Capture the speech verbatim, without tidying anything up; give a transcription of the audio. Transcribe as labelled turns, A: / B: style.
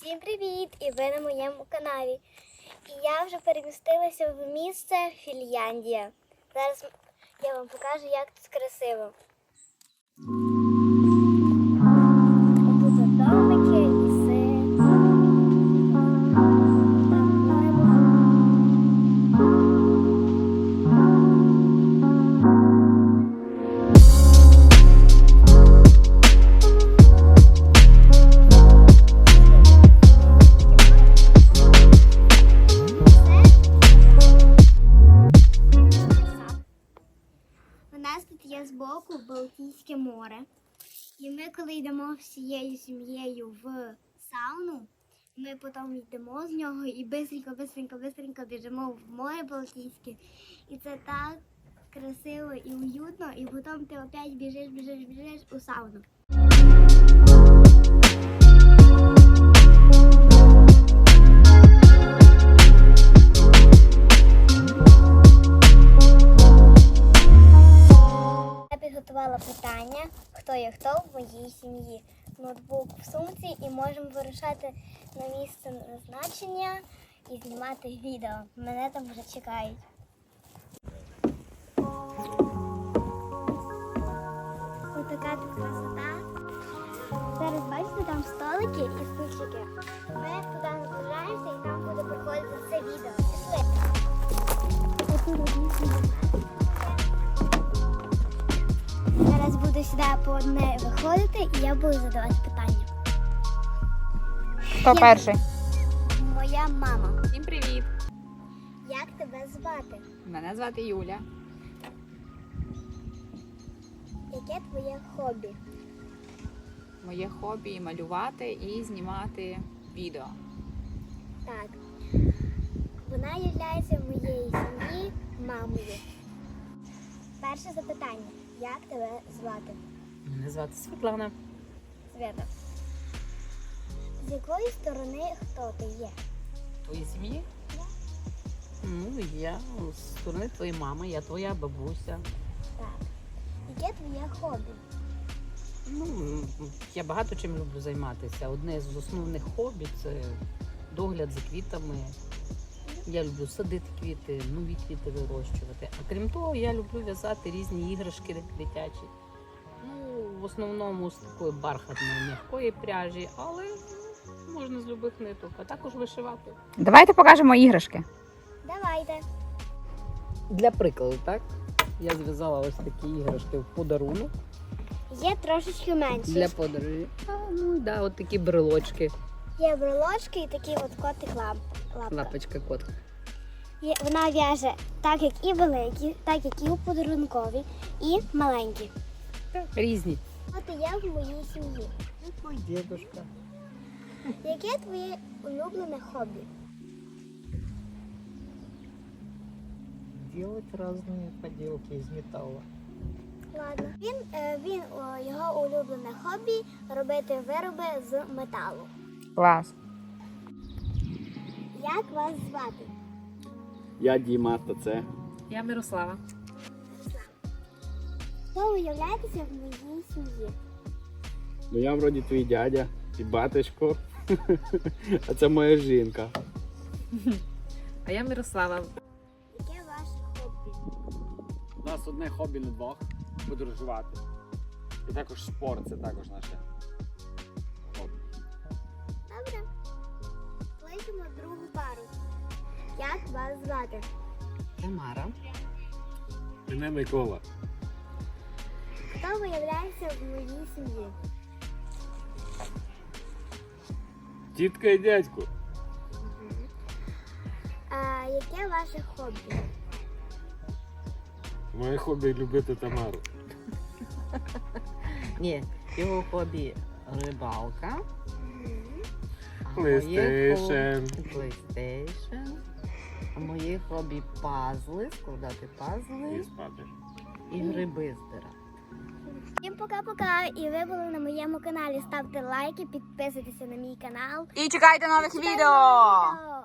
A: Всім привіт! І ви на моєму каналі. І я вже перемістилася в місце Фінляндія. Зараз я вам покажу, як тут красиво. Тут домики, ліси. У нас тут є збоку Балтійське море. І ми, коли йдемо всією сім'єю в сауну, ми потім йдемо з нього і бистренько, бистренько, бистренько біжимо в море Балтійське. І це так красиво і уютно, і потім ти опять біжиш, біжиш, біжиш у сауну. Підготувала питання, хто є хто в моїй сім'ї. Ноутбук в сумці і можемо вирушати на місце назначення і знімати відео. Мене там вже чекають. Ось така тут красота. Зараз бачите, там столики і стульчики. Ми туди наближаємося і там буде проходити це відео. Пішли. Зараз буду сюди по одне виходити і я буду задавати питання.
B: Хто
A: Я...
B: перший?
A: Моя мама.
B: Всім привіт!
A: Як тебе звати?
B: Мене звати Юля.
A: Яке твоє хобі?
B: Моє хобі малювати і знімати відео.
A: Так. Вона є моєї сім'ї мамою. Перше запитання. Як тебе звати?
C: Мене звати Світлана.
A: Свята. З якої сторони хто ти є?
C: Твої сім'ї?
A: Я.
C: Ну, я з сторони твоєї мами, я твоя бабуся.
A: Так. Яке твоє хобі?
C: Ну, я багато чим люблю займатися. Одне з основних хобі – це догляд за квітами. Я люблю садити квіти, нові квіти вирощувати. А крім того, я люблю в'язати різні іграшки дитячі. Ну, в основному з такої бархатної, м'якої пряжі, але можна з любих ниток, а також вишивати.
B: Давайте покажемо іграшки.
A: Давайте.
C: Для прикладу, так? Я зв'язала ось такі іграшки в подарунок
A: Є трошечки менші.
C: для подорожі. А, ну да, от такі брелочки.
A: Є брелочки і такі от котик лап. лапка.
C: Лапочка котка.
A: Є- Вона в'яже так, як і великі, так, як і у подарункові, і маленькі.
C: Різні.
A: От і я в моїй сім'ї.
C: Ой, дедушка.
A: Яке твоє улюблене хобі?
D: Делать разные поделки из металла.
A: Ладно. Він, е, він о, його улюблене хобі робити вироби з металу.
B: Клас.
A: Як вас звати?
E: Я Діма, то це.
B: Я Мирослава.
A: Хто ви являєтеся в моїй сім'ї?
E: Ну я вроді твій дядя і батечко. А це моя жінка.
B: А я Мирослава.
A: Яке ваше хобі?
E: У нас одне хобі на двох подорожувати. І також спорт, це також наше хобі.
A: Добре. Кличемо другу пару. Як вас звати?
C: Тамара.
E: Мене Микола.
A: Хто ви являєтеся в моїй сім'ї?
E: Тітка і дядько.
A: А яке ваше хобі?
E: Моє хобі любити Тамару.
C: Ні, його хобі рибалка. А
E: PlayStation.
C: моє хобі- PlayStation. А моє хобі пазли, складати
E: І
C: пазли
E: спати.
C: і гриби збирати.
A: Всім пока-пока! І ви були на моєму каналі. Ставте лайки, підписуйтесь на мій канал.
B: І чекайте нових
A: Чекайте
B: відео!
A: нових відео!